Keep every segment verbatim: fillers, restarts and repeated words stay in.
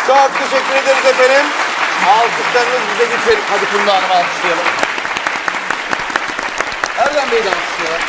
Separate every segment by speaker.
Speaker 1: Çok teşekkür ederiz efendim. Alkışlarınız bize geçelim. Hadi Funda Hanım'ı alkışlayalım. Erdem Bey'i de alkışlayalım.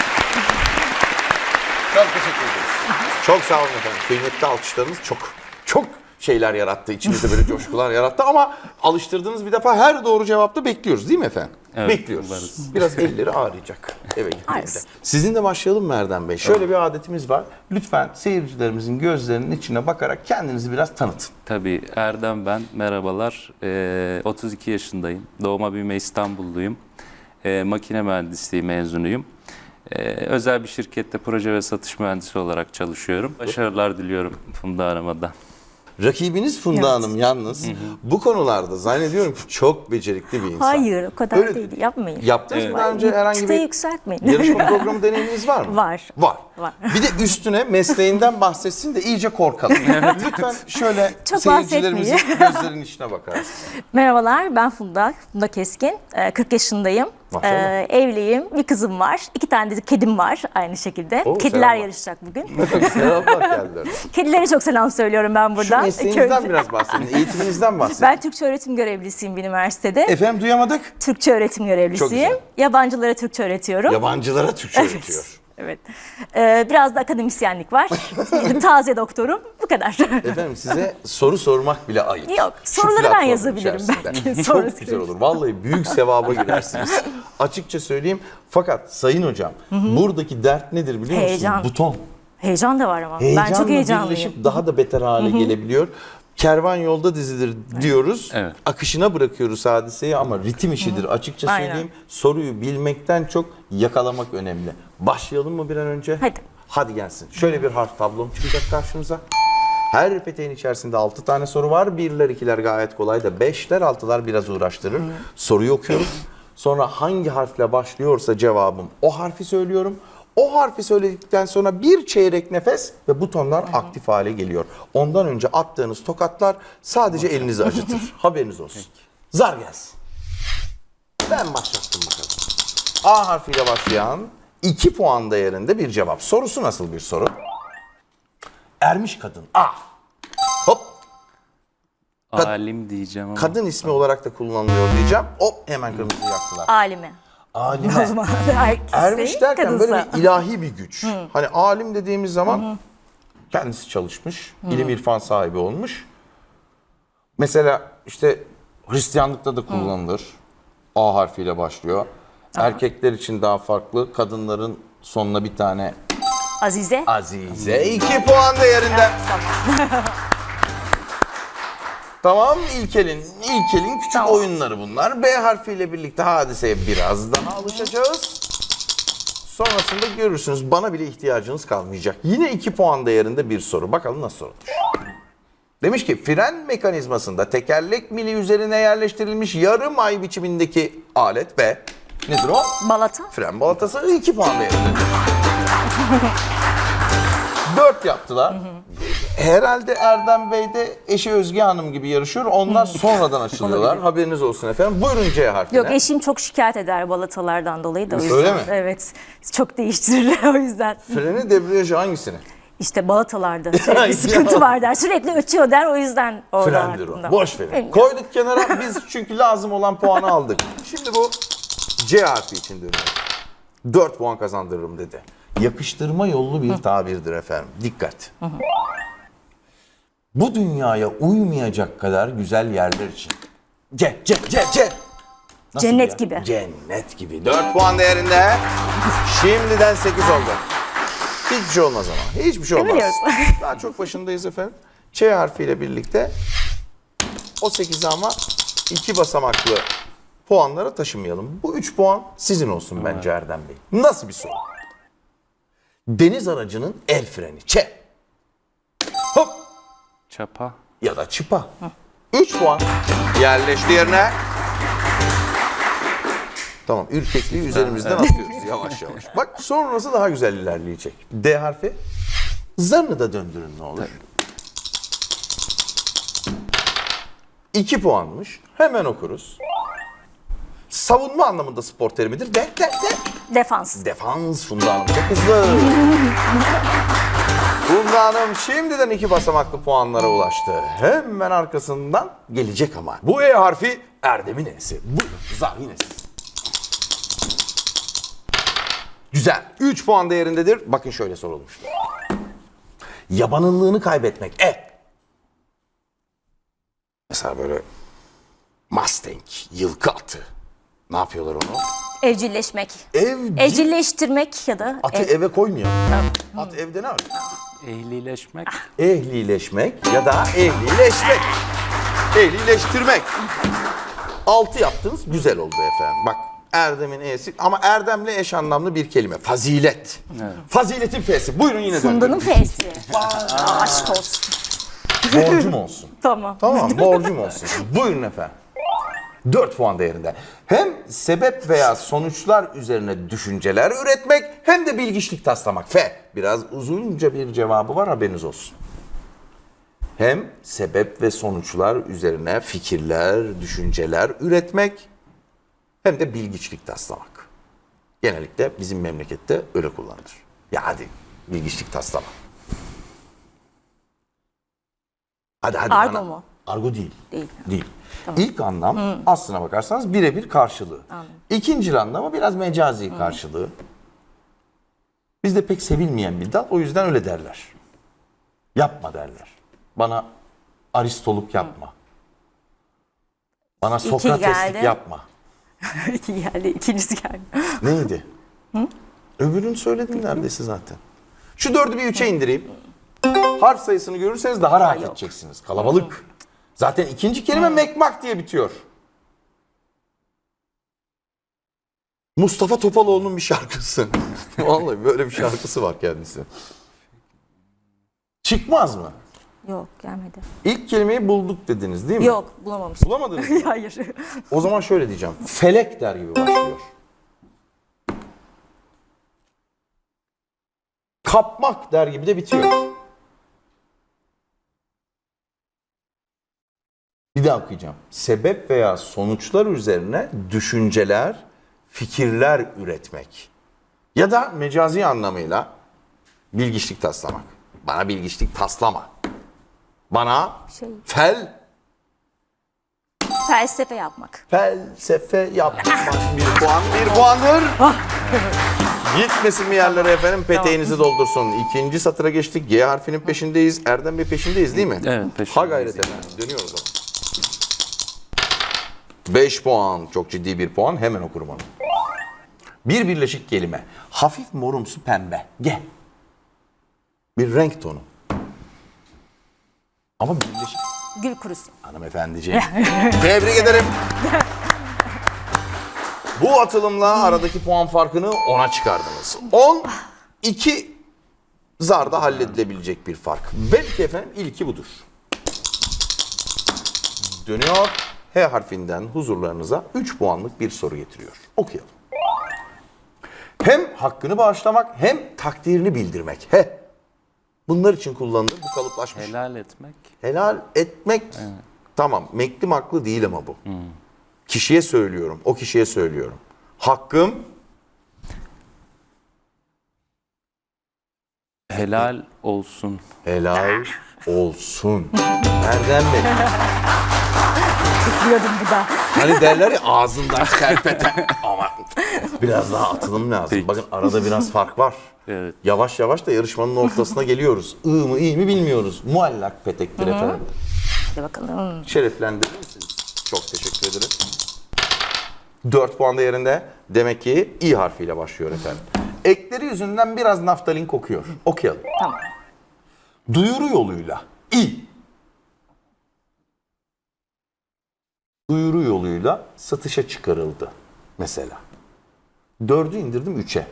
Speaker 1: Çok teşekkür ederiz. Çok sağ olun efendim. Kıymetli alkışlarınız çok çok şeyler yarattı. İçimizde böyle coşkular yarattı ama alıştırdığınız bir defa her doğru cevapta bekliyoruz değil mi efendim?
Speaker 2: Evet,
Speaker 1: bekliyoruz.
Speaker 2: varız.
Speaker 1: Biraz elleri ağrıyacak eve gittiğinde.
Speaker 3: Arz.
Speaker 1: Sizinle başlayalım mı Erdem Bey? Şöyle bir adetimiz var. Lütfen seyircilerimizin gözlerinin içine bakarak kendinizi biraz tanıtın.
Speaker 2: Tabii Erdem ben. Merhabalar. Ee, otuz iki yaşındayım. Doğma büyüme İstanbulluyum. Ee, makine mühendisliği mezunuyum. Ee, özel bir şirkette proje ve satış mühendisi olarak çalışıyorum. Başarılar diliyorum Funda Hanım'a da.
Speaker 1: Rakibiniz Funda
Speaker 3: Evet.
Speaker 1: Hanım yalnız bu konularda zannediyorum ki çok becerikli bir insan.
Speaker 3: Hayır, o kadar
Speaker 1: Öyle-
Speaker 3: değil. Yapmayın.
Speaker 1: Yaptınız mı
Speaker 2: Evet.
Speaker 1: daha önce herhangi
Speaker 3: Çıtayı
Speaker 1: bir
Speaker 3: yükseltmeyin.
Speaker 1: yarışma programı deneyiminiz var mı?
Speaker 3: Var.
Speaker 1: Var.
Speaker 3: Var.
Speaker 1: Bir de üstüne mesleğinden bahsetsin de iyice korkalım. Lütfen şöyle
Speaker 3: Çok
Speaker 1: seyircilerimizin gözlerinin içine bakarsın.
Speaker 3: Merhabalar, ben Funda. Funda Keskin. Ee, kırk yaşındayım.
Speaker 1: Maşallah.
Speaker 3: Ee, evliyim. Bir kızım var. İki tane de kedim var aynı şekilde.
Speaker 1: Oo,
Speaker 3: Kediler
Speaker 1: selamlar.
Speaker 3: yarışacak bugün.
Speaker 1: Selamlar geldiler.
Speaker 3: Kedilere çok selam söylüyorum ben
Speaker 1: Şu
Speaker 3: buradan.
Speaker 1: mesleğinizden
Speaker 3: Köyde-
Speaker 1: biraz bahsedin, eğitiminizden bahsedin.
Speaker 3: Ben Türkçe öğretim görevlisiyim bir üniversitede.
Speaker 1: Efendim duyamadık.
Speaker 3: Türkçe öğretim görevlisiyim.
Speaker 1: güzel.
Speaker 3: Yabancılara Türkçe öğretiyorum.
Speaker 1: Yabancılara Türkçe
Speaker 3: Evet.
Speaker 1: öğretiyor.
Speaker 3: Evet. Ee, biraz da akademisyenlik var. Taze doktorum. Bu kadar.
Speaker 1: Efendim size soru sormak bile ayıp.
Speaker 3: Yok,
Speaker 1: Şu
Speaker 3: soruları ben
Speaker 1: platformun
Speaker 3: yazabilirim
Speaker 1: içerisinde.
Speaker 3: belki.
Speaker 1: Çok
Speaker 3: Sonrası
Speaker 1: güzel olur. Vallahi büyük sevaba girersiniz. Açıkça söyleyeyim. Fakat Sayın Hocam buradaki dert nedir biliyor musunuz?
Speaker 3: Heyecan.
Speaker 1: Buton.
Speaker 3: Heyecan da var ama.
Speaker 1: Heyecanla
Speaker 3: ben çok heyecanlıyım.
Speaker 1: birleşip daha da beter hale gelebiliyor. Kervan yolda dizilir diyoruz.
Speaker 2: Evet.
Speaker 1: Akışına bırakıyoruz hadiseyi ama ritim işidir. Açıkça
Speaker 3: Aynen.
Speaker 1: söyleyeyim. Soruyu bilmekten çok yakalamak önemli. Başlayalım mı bir an önce?
Speaker 3: Hadi.
Speaker 1: Hadi gelsin. Şöyle bir harf tablom çıkacak karşınıza. Her peteğin içerisinde altı tane soru var. Birler, ikiler gayet kolay da beşler, altılar biraz uğraştırır. Soruyu okuyoruz. Sonra hangi harfle başlıyorsa cevabım o harfi söylüyorum. O harfi söyledikten sonra bir çeyrek nefes ve butonlar aktif hale geliyor. Ondan önce attığınız tokatlar sadece elinizi acıtır. Haberiniz olsun. Zar gelsin. Ben başlattım bakalım. A harfiyle başlayan iki puan değerinde bir cevap. Sorusu nasıl bir soru? Ermiş kadın. A. Hop. Kad-
Speaker 2: Alim diyeceğim ama.
Speaker 1: Kadın ismi olarak da kullanılıyor diyeceğim. Hop hemen kırmızı yaktılar.
Speaker 3: Alime. O
Speaker 1: Alime.
Speaker 3: zaman erkekse,
Speaker 1: Ermiş derken böyle
Speaker 3: kadınsa.
Speaker 1: bir ilahi bir güç. Hani alim dediğimiz zaman kendisi çalışmış, ilim irfan sahibi olmuş. Mesela işte Hristiyanlıkta da kullanılır. A harfiyle başlıyor. Erkekler için daha farklı, kadınların sonuna bir tane
Speaker 3: Azize.
Speaker 1: Azize. iki puan değerinde. Tamam İlkel'in, İlkel'in küçük
Speaker 3: Tamam.
Speaker 1: oyunları bunlar. B harfiyle birlikte hadiseye biraz daha alışacağız. Sonrasında görürsünüz bana bile ihtiyacınız kalmayacak. Yine iki puan değerinde bir soru. Bakalım nasıl sorulur. Demiş ki fren mekanizmasında tekerlek mili üzerine yerleştirilmiş yarım ay biçimindeki alet B. Nedir o?
Speaker 3: Balata.
Speaker 1: Fren balatası iki puan değerindedir. Dört yaptılar. Herhalde Erdem Bey de eşi Özge Hanım gibi yarışıyor. Onlar sonradan açılıyorlar. Haberiniz olsun efendim. Buyurun C harfine.
Speaker 3: Yok, eşim çok şikayet eder balatalardan dolayı da o yüzden.
Speaker 1: Öyle mi?
Speaker 3: Evet. Çok değiştirirler o yüzden.
Speaker 1: Freni, debriyajı hangisini?
Speaker 3: İşte balatalarda sürekli sıkıntı var der. Sürekli ötüyor der, o yüzden orada
Speaker 1: Frendir o.
Speaker 3: aklımda.
Speaker 1: Boş verin.
Speaker 3: Bilmiyorum.
Speaker 1: Koyduk kenara biz çünkü lazım olan puanı aldık. Şimdi bu C harfi için dönüyor. Dört puan kazandırırım dedi. Yakıştırma yollu bir tabirdir efendim. Dikkat. Bu dünyaya uymayacak kadar güzel yerler için. C, C, C, C. Nasıl
Speaker 3: Cennet
Speaker 1: ya?
Speaker 3: gibi.
Speaker 1: Cennet gibi. Dört puan değerinde. Şimdiden sekiz oldu. Hiçbir şey olmaz ama. Hiçbir şey olmaz.
Speaker 3: Biliyoruz.
Speaker 1: Daha çok başındayız efendim. Ç harfiyle birlikte o sekizi ama iki basamaklı puanlara taşımayalım. Bu üç puan sizin olsun bence Erdem Bey. Nasıl bir soru? Deniz aracının el freni. Ç. Hop.
Speaker 2: Çapa.
Speaker 1: Ya da çıpa. üç puan. Yerleşti yerine. Tamam, ürkekliği üzerimizden atıyoruz yavaş yavaş. Bak sonrası daha güzel ilerleyecek. D harfi. Zarını da döndürün ne olur. iki puanmış. Hemen okuruz. Savunma anlamında spor terimidir. De, de, de.
Speaker 3: Defans.
Speaker 1: Defans Funda Hanım çok hızlı. Funda Beyza Hanım şimdiden iki basamaklı puanlara ulaştı. Hemen arkasından gelecek ama. Bu E harfi Erdem'in E'si. Buyurun zar yine siz. Güzel. üç puan değerindedir. Bakın şöyle sorulmuş. Yabanıllığını kaybetmek. E. Mesela böyle Mustang, yılkı atı. Ne yapıyorlar onu?
Speaker 3: Evcilleşmek.
Speaker 1: Evcil.
Speaker 3: Evcilleştirmek ya da
Speaker 1: Atı
Speaker 3: ev-
Speaker 1: eve koymuyor. At evde ne arıyor?
Speaker 2: Ehlileşmek.
Speaker 1: Ehlileşmek ya da ehlileşmek. Ehlileştirmek. Altı yaptınız güzel oldu efendim. Bak Erdem'in E'si ama Erdem'le eş anlamlı bir kelime. Fazilet.
Speaker 2: Evet.
Speaker 1: Faziletin F'si. Buyurun yine
Speaker 3: Funda'nın
Speaker 1: döndürün.
Speaker 3: F'si. Aa, aşk olsun.
Speaker 1: Borcum olsun.
Speaker 3: Tamam.
Speaker 1: Tamam borcum olsun. Buyurun efendim. dört puan değerinde. Hem sebep veya sonuçlar üzerine düşünceler üretmek hem de bilgiçlik taslamak. F. Biraz uzunca bir cevabı var haberiniz olsun. Hem sebep ve sonuçlar üzerine fikirler, düşünceler üretmek hem de bilgiçlik taslamak. Genellikle bizim memlekette öyle kullanılır. Ya hadi bilgiçlik taslama. Hadi hadi.
Speaker 3: Argo
Speaker 1: bana.
Speaker 3: mu?
Speaker 1: Argo değil.
Speaker 3: Değil.
Speaker 1: Değil. İlk anlam aslına bakarsanız birebir karşılığı. İkinci anlamı biraz mecazi karşılığı. Bizde pek sevilmeyen bir dal o yüzden öyle derler. Yapma derler. Bana Aristoluk yapma. Bana Sokrateslik
Speaker 3: geldi.
Speaker 1: yapma.
Speaker 3: İki geldi, ikincisi geldi.
Speaker 1: Neydi? Öbürünü söyledim neredeyse zaten. Şu dördü bir üçe indireyim. Harf sayısını görürseniz daha rahat
Speaker 3: yok.
Speaker 1: edeceksiniz. Kalabalık. Zaten ikinci kelime mekmak diye bitiyor. Mustafa Topaloğlu'nun bir şarkısı. Vallahi böyle bir şarkısı var kendisi. Çıkmaz mı?
Speaker 3: Yok, gelmedi.
Speaker 1: İlk kelimeyi bulduk dediniz değil mi?
Speaker 3: Yok, bulamamışım.
Speaker 1: Bulamadınız mı?
Speaker 3: Hayır.
Speaker 1: O zaman şöyle diyeceğim. Felek der gibi başlıyor. Kapmak der gibi de bitiyor. Bir daha okuyacağım. Sebep veya sonuçlar üzerine düşünceler, fikirler üretmek. Ya da mecazi anlamıyla bilgiçlik taslamak. Bana bilgiçlik taslama. Bana
Speaker 3: Şey.
Speaker 1: fel
Speaker 3: Felsefe yapmak.
Speaker 1: felsefe yapmak. Bir puan, bir puandır. Gitmesin mi yerlere efendim, peteğinizi doldursun. İkinci satıra geçtik. G harfinin peşindeyiz. Erdem Bey peşindeyiz değil mi?
Speaker 2: Evet, peşindeyiz.
Speaker 1: Ha gayret efendim. Dönüyoruz o. beş puan. Çok ciddi bir puan. Hemen okurum onu. Bir birleşik kelime. Hafif morumsu pembe. G. Bir renk tonu. Ama birleşik.
Speaker 3: Gül kurusu.
Speaker 1: Hanımefendiciğim. Tebrik ederim. Bu atılımla aradaki puan farkını ona çıkardınız. on iki zarda halledilebilecek bir fark. Belki efendim ilki budur. Dönüyor. H harfinden huzurlarınıza üç puanlık bir soru getiriyor. Okuyalım. Hem hakkını bağışlamak hem takdirini bildirmek. He. Bunlar için kullanılır. Bu kalıplaşmış.
Speaker 2: Helal etmek.
Speaker 1: Helal etmek tamam. Meklim haklı değil ama bu. Kişiye söylüyorum. O kişiye söylüyorum. Hakkım
Speaker 2: Helal olsun.
Speaker 1: helal olsun. Erdem Bey.
Speaker 3: Bekliyordum bu da.
Speaker 1: Hani derler ya ağzından kerpeten. Ama biraz daha atılım lazım.
Speaker 2: Peki.
Speaker 1: Bakın arada biraz fark var.
Speaker 2: Evet.
Speaker 1: Yavaş yavaş da yarışmanın ortasına geliyoruz. I mı iyi mi bilmiyoruz. Muallak petektir efendim.
Speaker 3: Hadi bakalım.
Speaker 1: Şereflendirir misiniz? Çok teşekkür ederim. dört puan değerinde. Demek ki İ harfiyle başlıyor efendim. Ekleri yüzünden biraz naftalin kokuyor. Okuyalım.
Speaker 3: Tamam.
Speaker 1: Duyuru yoluyla. İ. Duyuru yoluyla satışa çıkarıldı. Mesela. Dördü indirdim üçe.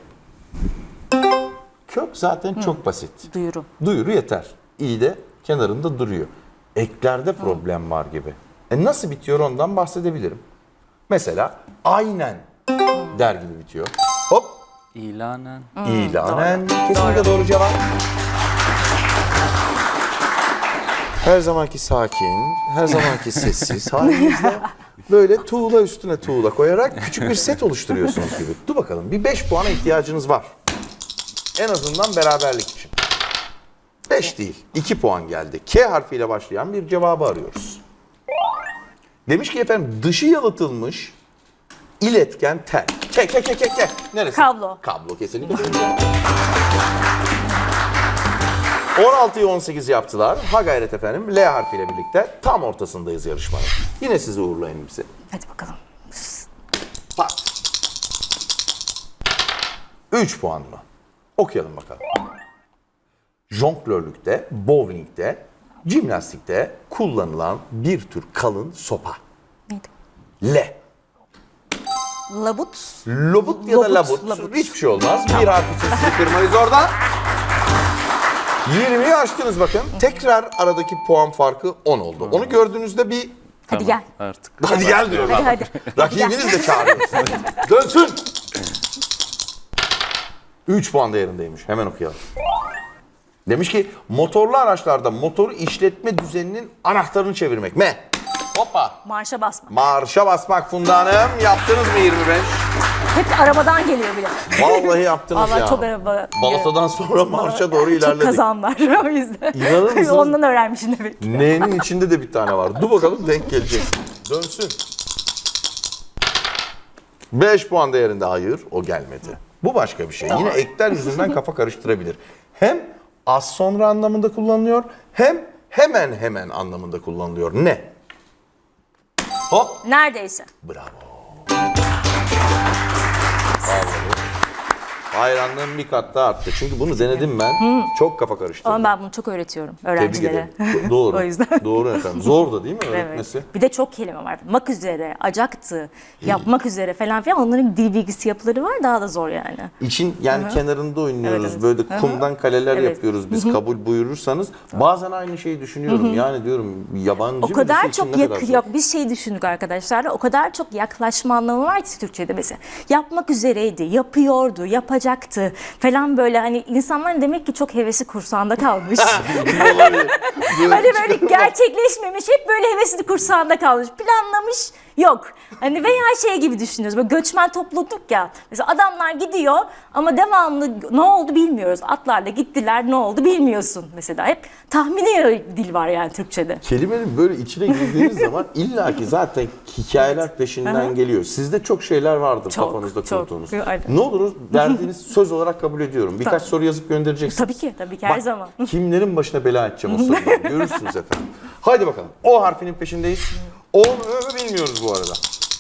Speaker 1: Kök zaten çok basit.
Speaker 3: Duyuru.
Speaker 1: Duyuru yeter. İyi de kenarında duruyor. Eklerde problem var gibi. E nasıl bitiyor ondan bahsedebilirim. Mesela aynen der gibi bitiyor. Hop.
Speaker 2: İlanen.
Speaker 1: İlanen. Kesinlikle doğru cevap. Her zamanki sakin, her zamanki sessiz halinizle böyle tuğla üstüne tuğla koyarak küçük bir set oluşturuyorsunuz gibi. Dur bakalım, bir beş puana ihtiyacınız var. En azından beraberlik için. beş değil. iki puan geldi. K harfiyle başlayan bir cevabı arıyoruz. Demiş ki efendim dışı yalıtılmış iletken tel. Ke ke ke ke ke. Neresi?
Speaker 3: Kablo.
Speaker 1: Kablo kesinlikle. on altıyı on sekiz yaptılar. Ha gayret efendim. L harfiyle birlikte tam ortasındayız yarışmanın. Yine sizi uğurlayın bize.
Speaker 3: Hadi bakalım.
Speaker 1: Pat. üç puan mı? Okuyalım bakalım. Jonglörlükte, bowlingde, jimnastikte kullanılan bir tür kalın sopa.
Speaker 3: Neydi?
Speaker 1: L.
Speaker 3: Labut.
Speaker 1: Lobut ya da
Speaker 3: Lobut,
Speaker 1: labut.
Speaker 3: labut.
Speaker 1: Hiçbir şey olmaz. Bir harf için sizi kırmayız oradan. yirmiyi aştınız bakın. Tekrar aradaki puan farkı on oldu. Onu gördüğünüzde bir...
Speaker 3: Hadi
Speaker 2: Tamam,
Speaker 3: gel.
Speaker 2: artık.
Speaker 1: Hadi gel diyor.
Speaker 3: Hadi hadi.
Speaker 1: Rakibiniz de çağırıyor. Dönsün. üç puan değerindeymiş. Hemen okuyalım. Demiş ki motorlu araçlarda motoru işletme düzeninin anahtarını çevirmek. M. Hoppa.
Speaker 3: Marşa basma.
Speaker 1: Marşa basmak Funda Hanım. Yaptınız mı yirmi beş?
Speaker 3: Hep arabadan geliyor bile.
Speaker 1: Vallahi yaptınız
Speaker 3: Vallahi
Speaker 1: ya.
Speaker 3: çok araba.
Speaker 1: Balata'dan sonra marşa doğru
Speaker 3: Çok
Speaker 1: ilerledik.
Speaker 3: kazan var o yüzden.
Speaker 1: İnanır mısınız?
Speaker 3: Ondan öğrenmişim demek ki.
Speaker 1: N'nin içinde de bir tane var. Dur bakalım denk gelecek. Dönsün. beş puan değerinde hayır o gelmedi. Bu başka bir şey. Yine ekler yüzünden kafa karıştırabilir. Hem az sonra anlamında kullanılıyor hem hemen hemen anlamında kullanılıyor. Ne? Hop.
Speaker 3: Neredeyse.
Speaker 1: Bravo. Hayranlığım bir kat daha arttı. Çünkü bunu denedim ben. Çok kafa karıştırdım.
Speaker 3: Ama ben bunu çok öğretiyorum
Speaker 1: Tebrik
Speaker 3: öğrencilere.
Speaker 1: ederim. Doğru.
Speaker 3: O yüzden.
Speaker 1: Doğru efendim. Zor da değil mi öğretmesi?
Speaker 3: Evet. Bir de çok kelime var. Mak üzere, acaktı, yapmak üzere falan filan. Onların dil bilgisi yapıları var. Daha da zor yani.
Speaker 1: İçin yani kenarında oynuyoruz.
Speaker 3: Evet, evet.
Speaker 1: Böyle
Speaker 3: Hı hı.
Speaker 1: kumdan kaleler
Speaker 3: Evet.
Speaker 1: yapıyoruz biz kabul buyurursanız. Bazen aynı şeyi düşünüyorum. Yani diyorum yabancı
Speaker 3: O
Speaker 1: birisi
Speaker 3: kadar
Speaker 1: için
Speaker 3: çok
Speaker 1: ne
Speaker 3: yak
Speaker 1: kadar zor.
Speaker 3: yok biz şey düşündük arkadaşlar. O kadar çok yaklaşma anlamı var ki Türkçe'de mesela. Yapmak üzereydi, yapıyordu, yapacaktı falan böyle hani insanların demek ki çok hevesi kursağında kalmış.
Speaker 1: Olabilir.
Speaker 3: Hani böyle gerçekleşmemiş, hep böyle hevesli kursağında kalmış. Planlamış yok. Hani veya şey gibi düşünüyoruz. Böyle göçmen topluluk ya. Mesela adamlar gidiyor ama devamlı ne oldu bilmiyoruz. Atlarla gittiler, ne oldu bilmiyorsun mesela. Hep tahmini dil var yani Türkçe'de.
Speaker 1: Kelimenin böyle içine girdiğiniz zaman illaki zaten hikayeler peşinden geliyor. Sizde çok şeyler vardır
Speaker 3: Çok,
Speaker 1: kafanızda
Speaker 3: çok.
Speaker 1: kurduğunuz.
Speaker 3: Aynen.
Speaker 1: Ne olur verdiğiniz söz olarak kabul ediyorum. Birkaç
Speaker 3: Tabii.
Speaker 1: soru yazıp göndereceksiniz.
Speaker 3: Tabii ki, tabii ki her
Speaker 1: Bak,
Speaker 3: zaman.
Speaker 1: kimlerin başına bela edeceğim o soruları. Görürsünüz efendim. Haydi bakalım. O harfinin peşindeyiz. O mu Ö mü bilmiyoruz bu arada.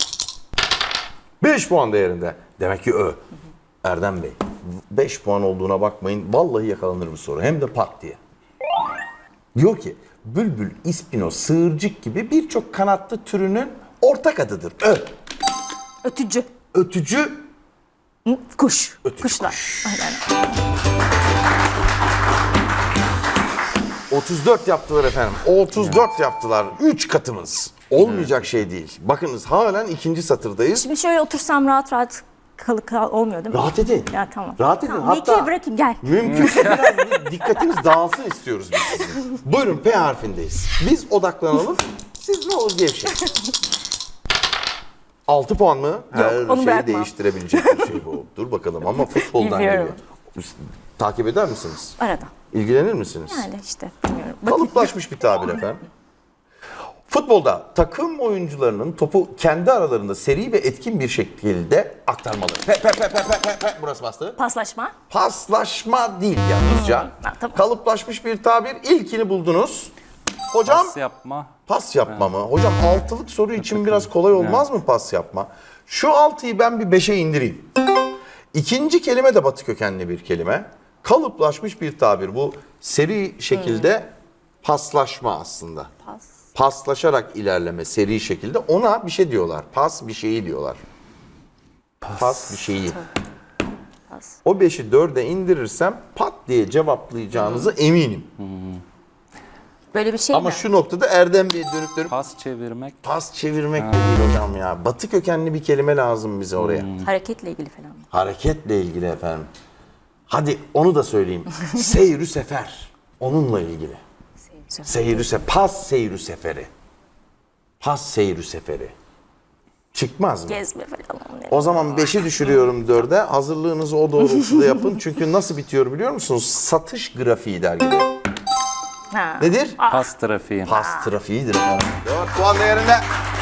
Speaker 1: beş puan değerinde. Demek ki Ö. Erdem Bey. beş puan olduğuna bakmayın. Vallahi yakalanır bu soru. Hem de pat diye. Diyor ki bülbül, ispino, sığırcık gibi birçok kanatlı türünün ortak adıdır. Ö.
Speaker 3: Ötücü.
Speaker 1: Ötücü.
Speaker 3: Hı, Kuş.
Speaker 1: Ötücü
Speaker 3: Kuşlar. Aynen.
Speaker 1: otuz dört yaptılar efendim. otuz dört yaptılar. üç katımız. Olmayacak şey değil. Bakınız halen ikinci satırdayız.
Speaker 3: Şimdi şöyle otursam rahat rahat kal, kal olmuyor değil mi?
Speaker 1: Rahat edin.
Speaker 3: Ya tamam.
Speaker 1: Rahat edin.
Speaker 3: Tamam,
Speaker 1: Hatta
Speaker 3: Hatta... bırakayım gel.
Speaker 1: mümkünse biraz bir dikkatiniz dağılsın istiyoruz biz sizin. Buyurun P harfindeyiz. Biz odaklanalım. Siz ne olur gevşeyin. altı puan mı? Her
Speaker 3: onu
Speaker 1: şeyi
Speaker 3: bırakmam.
Speaker 1: değiştirebilecek bir şey bu. Dur bakalım ama futboldan
Speaker 3: Bilmiyorum.
Speaker 1: geliyor. Takip eder misiniz?
Speaker 3: Arada.
Speaker 1: İlgilenir misiniz?
Speaker 3: Yani işte bilmiyorum. Bakayım.
Speaker 1: Kalıplaşmış bir tabir efendim. Futbolda takım oyuncularının topu kendi aralarında seri ve etkin bir şekilde aktarmalı. Pe pe pe pe pe pe pe burası bastı.
Speaker 3: Paslaşma.
Speaker 1: Paslaşma değil yalnızca.
Speaker 3: Ha, tamam.
Speaker 1: Kalıplaşmış bir tabir. İlkini buldunuz. Hocam
Speaker 2: Pas yapma.
Speaker 1: pas yapma mı? Hocam altılık soru için biraz kolay olmaz mı pas yapma? Şu altıyı ben bir beşe indireyim. İkinci kelime de batı kökenli bir kelime. Kalıplaşmış bir tabir. Bu seri şekilde paslaşma aslında.
Speaker 3: Pas.
Speaker 1: Paslaşarak ilerleme seri şekilde. Ona bir şey diyorlar. Pas bir şeyi diyorlar. Pas, bir şeyi.
Speaker 3: Pas.
Speaker 1: O beşi dörde indirirsem pat diye cevaplayacağınızı eminim.
Speaker 3: Böyle bir şey
Speaker 1: Ama
Speaker 3: mi?
Speaker 1: şu noktada Erdem Bey'e dönüp dönüp
Speaker 2: Pas çevirmek.
Speaker 1: pas çevirmek de değil hocam ya. Batı kökenli bir kelime lazım bize oraya.
Speaker 3: Hareketle ilgili falan mı?
Speaker 1: Hareketle ilgili efendim. Hadi onu da söyleyeyim. Seyrü sefer. Onunla ilgili.
Speaker 3: Seyirci.
Speaker 1: Seyrü se pas seyrü seferi. Pas seyrü seferi. Çıkmaz mı?
Speaker 3: Gezme falan. Ne?
Speaker 1: O zaman beşi düşürüyorum dörde. Hazırlığınızı o doğrultuda yapın. Çünkü nasıl bitiyor biliyor musunuz? Satış grafiği dergide.
Speaker 3: Ha.
Speaker 1: Nedir?
Speaker 2: Pas trafiği.
Speaker 1: Pas trafiğidir efendim. dört puan değerinde.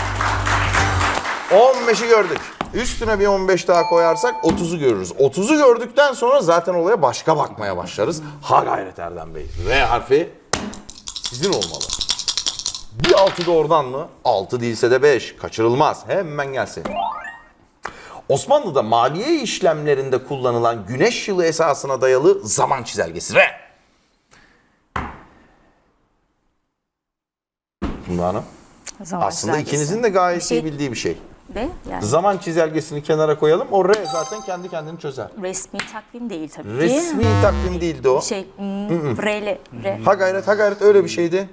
Speaker 1: on beşi gördük. Üstüne bir on beş daha koyarsak otuzu görürüz. otuzu gördükten sonra zaten olaya başka bakmaya başlarız. Ha gayret Erdem Bey. R harfi sizin olmalı. Bir altı da oradan mı? altı değilse de beş. Kaçırılmaz. Hemen gelsin. Osmanlı'da maliye işlemlerinde kullanılan güneş yılı esasına dayalı zaman çizelgesi. R. Funda Hanım.
Speaker 3: Zaman
Speaker 1: Aslında
Speaker 3: çizelgesi.
Speaker 1: ikinizin de gayet
Speaker 3: Bir şey-
Speaker 1: iyi bildiği bir şey.
Speaker 3: Ve yani
Speaker 1: Zaman çizelgesini kenara koyalım. O R zaten kendi kendini çözer.
Speaker 3: resmi takvim değil tabii ki.
Speaker 1: Resmi takvim değildi o.
Speaker 3: Şey, hmm, R'li, R.
Speaker 1: Ha gayret ha gayret öyle bir şeydi.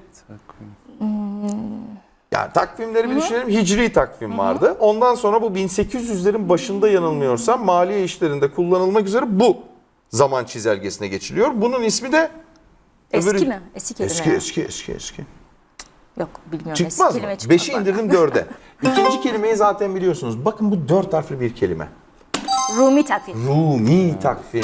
Speaker 1: Yani takvimleri bir düşünelim. Hicri takvim vardı. Ondan sonra bu bin sekiz yüzlerin başında yanılmıyorsam maliye işlerinde kullanılmak üzere bu zaman çizelgesine geçiliyor. Bunun ismi de
Speaker 3: Eski
Speaker 1: öbürü-
Speaker 3: mi? Eski kelime.
Speaker 1: Eski
Speaker 3: ya.
Speaker 1: eski eski eski.
Speaker 3: Yok bilmiyorum.
Speaker 1: Çıkmaz
Speaker 3: Eski
Speaker 1: mı?
Speaker 3: kelime çıkmaz
Speaker 1: Beşi
Speaker 3: bana.
Speaker 1: indirdim dörde. İkinci kelimeyi zaten biliyorsunuz. Bakın bu dört harfli bir kelime.
Speaker 3: Rumi takvim.
Speaker 1: Rumi takvim.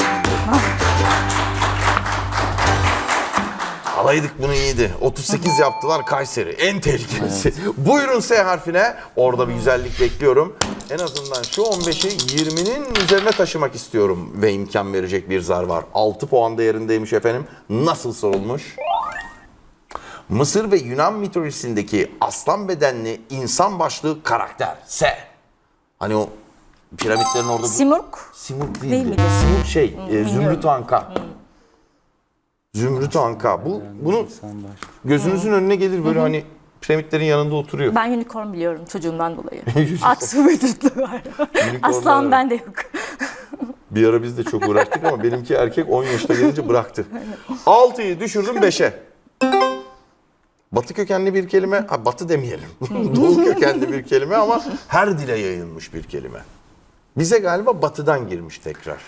Speaker 1: Alaydık bunu iyiydi. otuz sekiz yaptılar Kayseri. En tehlikelisi. Buyurun S harfine. Orada bir güzellik bekliyorum. En azından şu on beşi yirminin üzerine taşımak istiyorum. Ve imkan verecek bir zar var. altı puan değerindeymiş efendim. Nasıl sorulmuş? Mısır ve Yunan mitolojisindeki aslan bedenli insan başlı karakter. S. Hani o piramitlerin orada...
Speaker 3: Simurg.
Speaker 1: Simurg
Speaker 3: Değil
Speaker 1: değildi.
Speaker 3: miydi?
Speaker 1: Simurg şey, e,
Speaker 3: bilmiyorum.
Speaker 1: Zümrüt Anka. Zümrüt Anka. Bu bunu gözünüzün önüne gelir böyle hani piramitlerin yanında oturuyor.
Speaker 3: Ben unicorn biliyorum çocuğumdan dolayı. At vücutlu var. Aslan
Speaker 1: Unicornlar-
Speaker 3: bende yok.
Speaker 1: Bir ara biz de çok uğraştık ama benimki erkek on yaşına gelince bıraktı. altıyı düşürdüm beşe. Batı kökenli bir kelime, ha, batı demeyelim. Doğu kökenli bir kelime ama her dile yayılmış bir kelime. Bize galiba batıdan girmiş tekrar.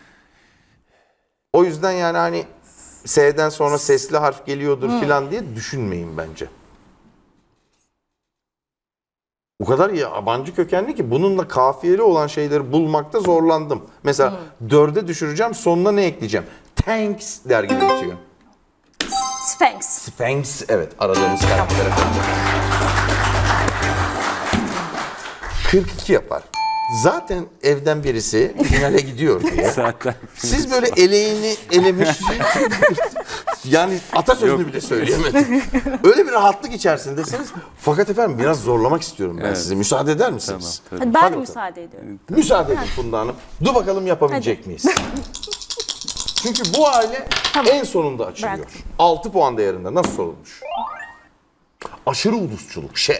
Speaker 1: O yüzden yani hani S'den sonra sesli harf geliyordur filan diye düşünmeyin bence. O kadar yabancı kökenli ki bununla kafiyeli olan şeyleri bulmakta zorlandım. Mesela dörde düşüreceğim, sonuna ne ekleyeceğim? Thanks der gibi bitiyor.
Speaker 3: Sphinx.
Speaker 1: Sphinx, evet aradığımız karakter efendim. kırk iki yapar. Zaten evden birisi finale gidiyor diye.
Speaker 2: Zaten.
Speaker 1: Siz böyle eleğini elemiş, yani atasözünü bile söyleyemedim. Öyle bir rahatlık içerisindesiniz. Fakat efendim biraz zorlamak istiyorum ben
Speaker 2: Evet.
Speaker 1: size. Müsaade eder
Speaker 2: Tamam.
Speaker 1: misiniz?
Speaker 2: tabii.
Speaker 3: Hadi ben
Speaker 1: Hadi
Speaker 3: de
Speaker 1: bakalım.
Speaker 3: müsaade ediyorum.
Speaker 1: Müsaade edin Funda Hanım. Dur bakalım yapabilecek miyiz? Çünkü bu aile en sonunda açılıyor.
Speaker 3: Bırak.
Speaker 1: altı puan değerinde. Nasıl sorulmuş? Aşırı ulusçuluk. Şey.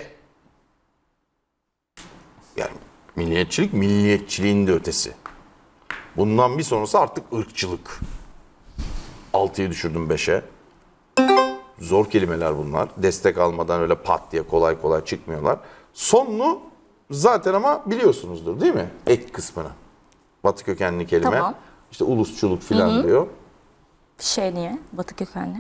Speaker 1: Yani milliyetçilik, milliyetçiliğin de ötesi. Bundan bir sonrası artık ırkçılık. altıyı düşürdüm beşe. Zor kelimeler bunlar. Destek almadan öyle pat diye kolay kolay çıkmıyorlar. Sonunu zaten ama biliyorsunuzdur değil mi? Ek kısmını. Batı kökenli kelime.
Speaker 3: Tamam.
Speaker 1: İşte ulusçuluk filan diyor.
Speaker 3: Şey niye? Batı kökenli.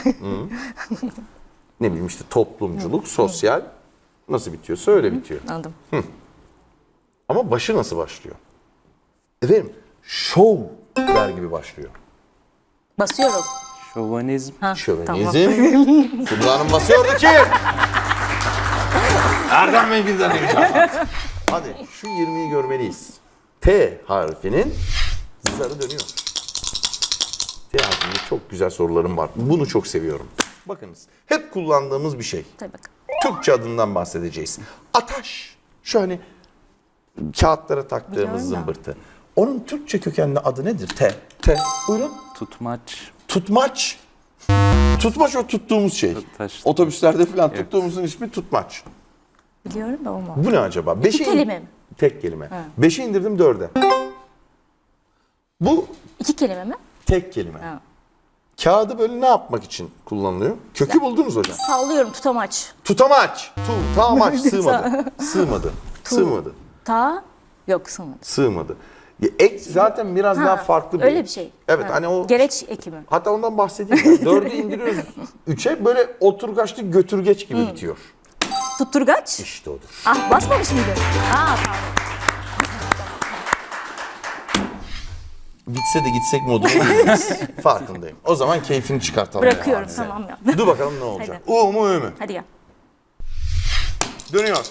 Speaker 1: Ne bileyim işte toplumculuk, sosyal. Nasıl bitiyorsa öyle bitiyor.
Speaker 3: Anladım.
Speaker 1: Ama başı nasıl başlıyor? Efendim, show der gibi başlıyor.
Speaker 3: Basıyorum.
Speaker 2: Şovanizm.
Speaker 3: Ha,
Speaker 1: Şövenizm. Funda Hanım basıyordu ki. Erdem Bey birden heyecan. Hadi şu yirmiyi görmeliyiz. T harfinin zarı dönüyor. T harfinde çok güzel sorularım var. Bunu çok seviyorum. Bakınız hep kullandığımız bir şey.
Speaker 3: Tabii bakın.
Speaker 1: Türkçe adından bahsedeceğiz. Ataş. Şu hani kağıtlara taktığımız
Speaker 3: Biliyorum da.
Speaker 1: zımbırtı. Onun Türkçe kökenli adı nedir? T. T. Buyurun.
Speaker 2: Tutmaç.
Speaker 1: Tutmaç. Tutmaç o tuttuğumuz şey.
Speaker 2: Taş.
Speaker 1: Otobüslerde falan
Speaker 2: Evet.
Speaker 1: tuttuğumuzun ismi tutmaç.
Speaker 3: Biliyorum da olmaz.
Speaker 1: Bu ne acaba? Beşi in-
Speaker 3: kelime mi?
Speaker 1: Tek kelime. Beşi indirdim dörde. Bu
Speaker 3: İki kelime mi?
Speaker 1: tek kelime.
Speaker 3: Ha.
Speaker 1: Kağıdı böyle ne yapmak için kullanılıyor? Kökü buldunuz hocam.
Speaker 3: Sallıyorum tutamaç.
Speaker 1: Tutamaç. Tutamaç. Sığmadı. Sığmadı. Sığmadı.
Speaker 3: Ta yok sığmadı.
Speaker 1: Sığmadı. Ya ek zaten biraz daha
Speaker 3: Ha,
Speaker 1: farklı bir.
Speaker 3: öyle bir şey.
Speaker 1: Evet
Speaker 3: Ha.
Speaker 1: hani o
Speaker 3: Gereç ekimi.
Speaker 1: hatta ondan bahsedeyim. ya. Dördü indiriyoruz. Üçe böyle oturgaçlı götürgeç gibi bitiyor.
Speaker 3: Tutturgaç.
Speaker 1: İşte odur.
Speaker 3: Ah basmamış mıydı? Aa pardon.
Speaker 1: gitse de gitsek moduna gireriz. Farkındayım. O zaman keyfini çıkartalım.
Speaker 3: Bırakıyorum
Speaker 1: Yani.
Speaker 3: tamam ya.
Speaker 1: Dur bakalım ne olacak. U mu Ü mü?
Speaker 3: Hadi gel.
Speaker 1: Dönüyor.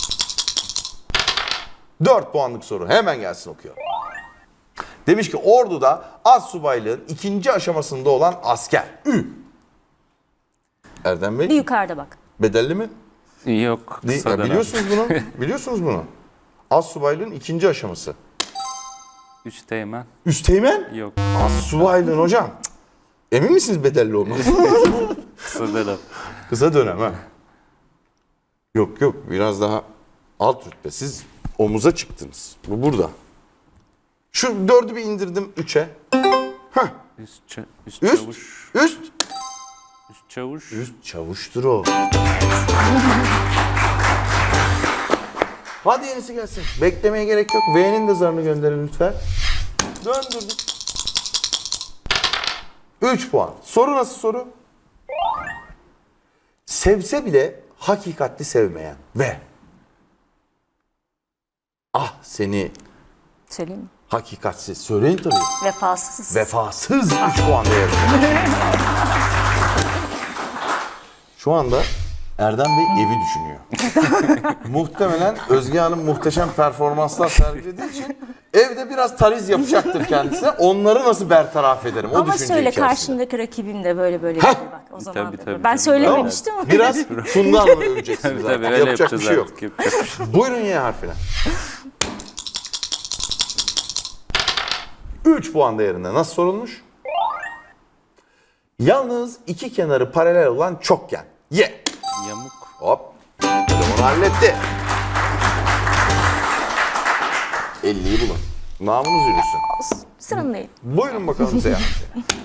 Speaker 1: dört puanlık soru. Hemen gelsin okuyor. Demiş ki orduda astsubaylığın ikinci aşamasında olan asker. Ü. Erdem
Speaker 3: Bir
Speaker 1: Bey,
Speaker 3: yukarıda bak.
Speaker 1: bedelli mi?
Speaker 2: Yok.
Speaker 1: Değil.
Speaker 2: kısa
Speaker 1: Ya
Speaker 2: dönem.
Speaker 1: biliyorsunuz bunu. Biliyorsunuz bunu. Astsubaylığın ikinci aşaması.
Speaker 2: Üsteğmen.
Speaker 1: Üsteğmen?
Speaker 2: Yok.
Speaker 1: Astsubaylığın hocam. Cık. Emin misiniz bedelli olması?
Speaker 2: Kısa dönem.
Speaker 1: Kısa dönem ha. Yok yok biraz daha alt rütbe. Siz omuza çıktınız. Bu burada. Şu dördü bir indirdim üçe. Hah.
Speaker 2: Üst, ça- üst,
Speaker 1: Üst.
Speaker 2: çavuş.
Speaker 1: Üst.
Speaker 2: Üst çavuş.
Speaker 1: Üst çavuştur o. Hadi yenisi gelsin. Beklemeye gerek yok. V'nin de zarını gönderin lütfen. Döndürdük. üç puan. Soru nasıl soru? Sevse bile hakikatli sevmeyen ve ah seni
Speaker 3: Söyleyeyim mi?
Speaker 1: hakikatsiz söyleyin tabii.
Speaker 3: Vefasız.
Speaker 1: Vefasız üç puan değerinde. Şu anda Erdem Bey evi düşünüyor. Muhtemelen Özge Hanım muhteşem performanslar sergilediği için evde biraz tariz yapacaktır kendisine. Onları nasıl bertaraf ederim? O
Speaker 3: Ama
Speaker 1: düşünce
Speaker 3: söyle
Speaker 1: içerisinde.
Speaker 3: karşımdaki rakibim de böyle böyle
Speaker 1: Heh.
Speaker 3: dedi bak o zaman.
Speaker 2: Tabii,
Speaker 3: da
Speaker 2: tabii,
Speaker 3: Ben
Speaker 2: tabii.
Speaker 3: söylememiştim ama.
Speaker 1: Biraz Funda Hanım'ı öveceksiniz
Speaker 2: Tabii
Speaker 1: artık.
Speaker 2: tabii öyle
Speaker 1: Yapacak bir
Speaker 2: yapacağız
Speaker 1: şey yok.
Speaker 2: artık. Yapacak bir şey.
Speaker 1: Buyurun Y harfine. üç puan değerinde. Nasıl sorulmuş? Yalnız iki kenarı paralel olan çokgen. Y.
Speaker 2: Yamuk.
Speaker 1: Hop. Bunu halletti. elliyi bulun. Namınız yürüsün.
Speaker 3: Sıranın değil.
Speaker 1: Buyurun bakalım Z harfi.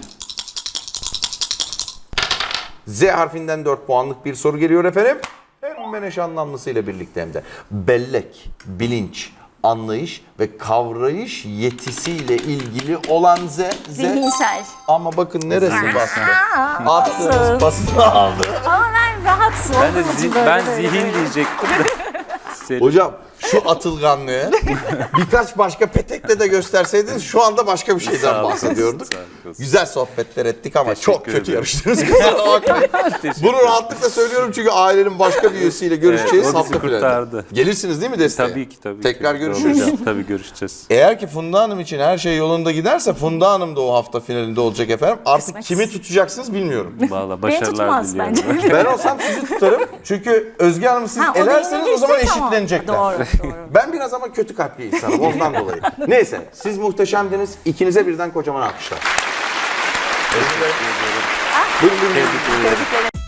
Speaker 1: Z harfinden dört puanlık bir soru geliyor efendim. Hemen eş anlamlısıyla birlikte hem de. Bellek, bilinç, anlayış ve kavrayış yetisiyle ilgili olan Z. Z.
Speaker 3: Zihinsel.
Speaker 1: Ama bakın neresi bastı?
Speaker 3: Aa,
Speaker 1: Attığınız
Speaker 3: olsun.
Speaker 1: pasını aldı.
Speaker 3: Ama ben rahatsın.
Speaker 2: Ben de
Speaker 3: olduğum için
Speaker 2: zi-
Speaker 3: böyle
Speaker 2: ben
Speaker 3: böyle
Speaker 2: zihin
Speaker 3: böyle.
Speaker 2: diyecektim de. Senin-
Speaker 1: Hocam şu atılganlığı birkaç başka petekle de gösterseydiniz şu anda başka bir
Speaker 2: Sağ
Speaker 1: şeyden
Speaker 2: olun,
Speaker 1: bahsediyorduk.
Speaker 2: sağ olun.
Speaker 1: Güzel sohbetler ettik ama
Speaker 2: Teşekkür
Speaker 1: çok kötü
Speaker 2: ederim.
Speaker 1: yarıştınız. Kusura bakmayın.
Speaker 2: Teşekkür
Speaker 1: Bunu rahatlıkla söylüyorum çünkü ailenin başka bir üyesiyle görüşeceğiz
Speaker 2: Evet, o bizi
Speaker 1: hafta finalinde.
Speaker 2: kurtardı.
Speaker 1: Gelirsiniz değil mi desteğe?
Speaker 2: Tabii ki tabii
Speaker 1: Tekrar
Speaker 2: ki.
Speaker 1: görüşürüz.
Speaker 2: Olacağım, tabii görüşeceğiz.
Speaker 1: Eğer ki Funda Hanım için her şey yolunda giderse Funda Hanım da o hafta finalinde olacak efendim. Artık
Speaker 3: Kısmet.
Speaker 1: kimi tutacaksınız bilmiyorum.
Speaker 2: Valla
Speaker 3: Beni
Speaker 2: başarılar
Speaker 3: tutmaz
Speaker 2: diliyorum.
Speaker 3: bence.
Speaker 1: Ben olsam sizi tutarım. Çünkü Özge Hanım'ı siz
Speaker 3: Ha, o da
Speaker 1: elerseniz o zaman
Speaker 3: yenilirse tamam.
Speaker 1: eşitlenecekler.
Speaker 3: Doğru, doğru.
Speaker 1: Ben biraz ama kötü kalpli insanım ondan dolayı. Neyse siz muhteşemdiniz. İkinize birden kocaman alkışlar. Buyurun, buyurun.
Speaker 2: Tebrik ederim.
Speaker 3: Teşekkür ederim.